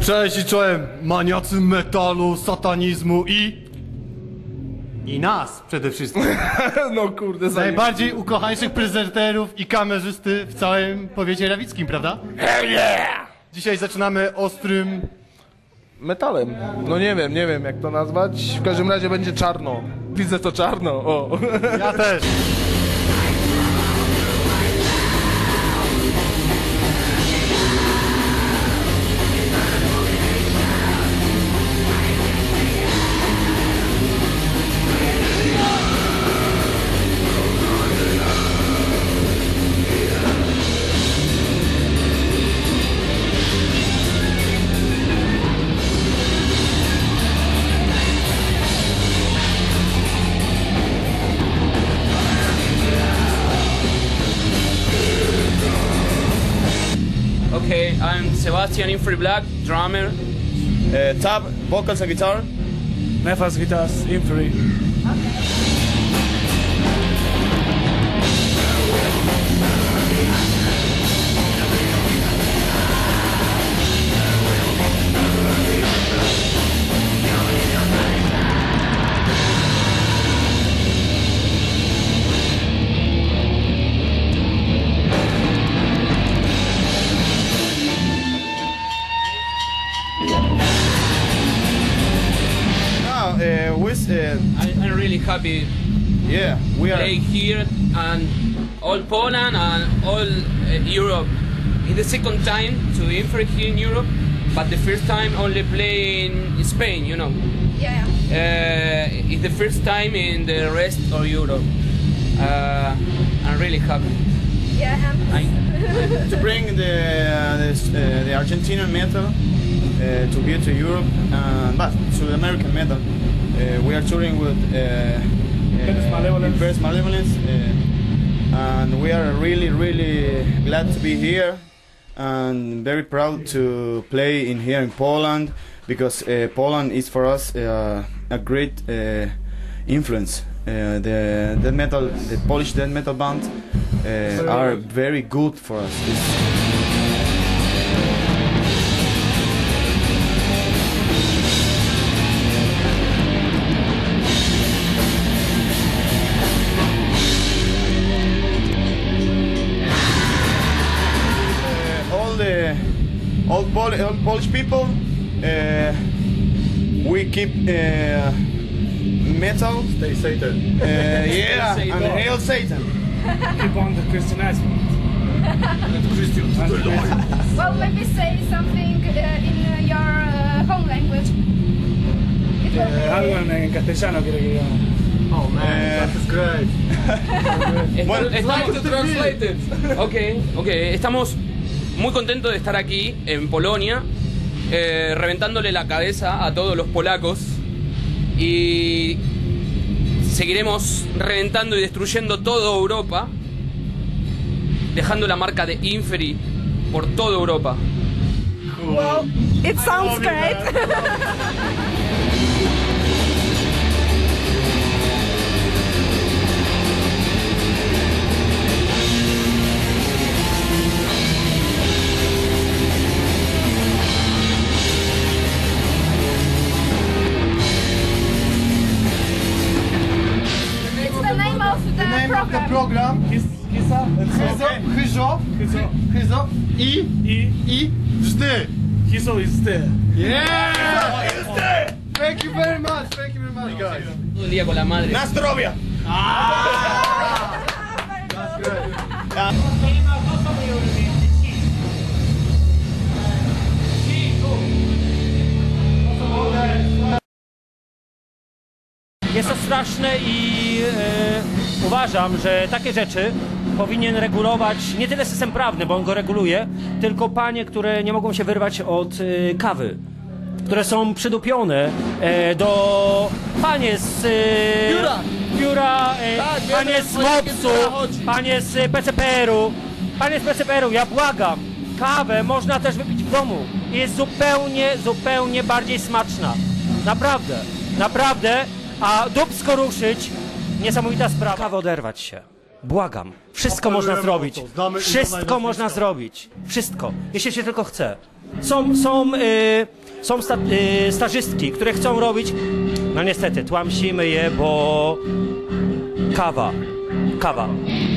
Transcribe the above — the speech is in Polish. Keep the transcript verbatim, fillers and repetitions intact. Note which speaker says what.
Speaker 1: Cześć i czołem maniacy metalu, satanizmu i... I nas przede wszystkim.
Speaker 2: No kurde, za
Speaker 1: Najbardziej ukochańszych prezenterów i kamerzysty w całym powiecie rawickim, prawda?
Speaker 2: Hell yeah!
Speaker 1: Dzisiaj zaczynamy ostrym...
Speaker 2: Metalem. No nie wiem, nie wiem jak to nazwać. W każdym razie będzie czarno. Widzę to czarno, o.
Speaker 1: Ja też.
Speaker 3: Okay, I'm Sebastian Infree Black, drummer.
Speaker 4: Uh, Tab, vocals and guitar.
Speaker 5: Nefas guitars, Infree.
Speaker 4: Now, uh, with, uh,
Speaker 3: I, I'm really happy
Speaker 4: yeah, we
Speaker 3: to
Speaker 4: are.
Speaker 3: play here and all Poland and all uh, Europe. It's the second time to Infree here in Europe, but the first time only play in Spain, you know.
Speaker 6: Yeah, yeah.
Speaker 3: Uh, it's the first time in the rest of Europe. Uh, I'm really happy.
Speaker 6: Yeah, and
Speaker 4: To bring the uh, the, uh, the Argentinian metal uh, to here to Europe, uh, but to the American metal. Uh, we are touring with uh,
Speaker 5: Inverse Malevolence.
Speaker 4: Inverse Malevolence, uh, and we are really, really glad to be here and very proud to play in here in Poland because uh, Poland is for us uh, a great uh, influence. Uh, the death metal, the Polish death metal band uh, are very good for us. It's, uh, all the all, Pol all Polish people, uh, we keep uh, metal.
Speaker 1: Stay Satan.
Speaker 4: Uh, yeah,
Speaker 3: Satan.
Speaker 4: and hail Satan.
Speaker 5: Keep on the Christianizing.
Speaker 6: well, maybe say something uh, in uh, your uh, home language. It will
Speaker 5: Eh, algo en, en castellano quiero que digamos.
Speaker 1: Oh man,
Speaker 4: Eh.
Speaker 1: that is great.
Speaker 3: Estamos, estamos-
Speaker 1: to translate it.
Speaker 3: Okay, okay. Estamos muy contentos de estar aquí en Polonia, eh, reventándole la cabeza a todos los polacos y seguiremos reventando y destruyendo toda Europa, dejando la marca de Infree por toda Europa.
Speaker 6: Well, it sounds great. It's the name of the,
Speaker 1: The name of the
Speaker 6: program.
Speaker 1: program
Speaker 5: His, hisa,
Speaker 1: Hyzo, Hyzo,
Speaker 5: Hyzo.
Speaker 1: Hyzo i...
Speaker 5: I
Speaker 1: i... Żdy.
Speaker 5: hiso is there.
Speaker 1: Yeah! Thank you very much, thank you very much guys.
Speaker 3: Todo el día con la madre.
Speaker 4: Nastrovia.
Speaker 1: That's great.
Speaker 7: Jest to straszne i e, uważam, że takie rzeczy powinien regulować nie tyle system prawny, bo on go reguluje, tylko panie, które nie mogą się wyrwać od e, kawy, które są przydupione e, do panie z e,
Speaker 2: Biura.
Speaker 7: biura e,
Speaker 2: Tak, wiemy,
Speaker 7: panie z
Speaker 2: o jakie
Speaker 7: mopsu,
Speaker 2: biura chodzi.
Speaker 7: panie z P C P R-u, panie z P C P R-u, ja błagam, kawę można też wypić w domu i jest zupełnie, zupełnie bardziej smaczna. Naprawdę, naprawdę. A dupsko ruszyć, niesamowita sprawa. Kawę oderwać się. Błagam. Wszystko
Speaker 1: Apelujemy
Speaker 7: można
Speaker 1: o
Speaker 7: zrobić.
Speaker 1: to. Znamy imiona i
Speaker 7: Wszystko
Speaker 1: nazwiska.
Speaker 7: można zrobić. Wszystko. Jeśli się tylko chce. Są, są, y, są sta, y, stażystki, które chcą robić... No niestety, tłamsimy je, bo... Kawa. Kawa.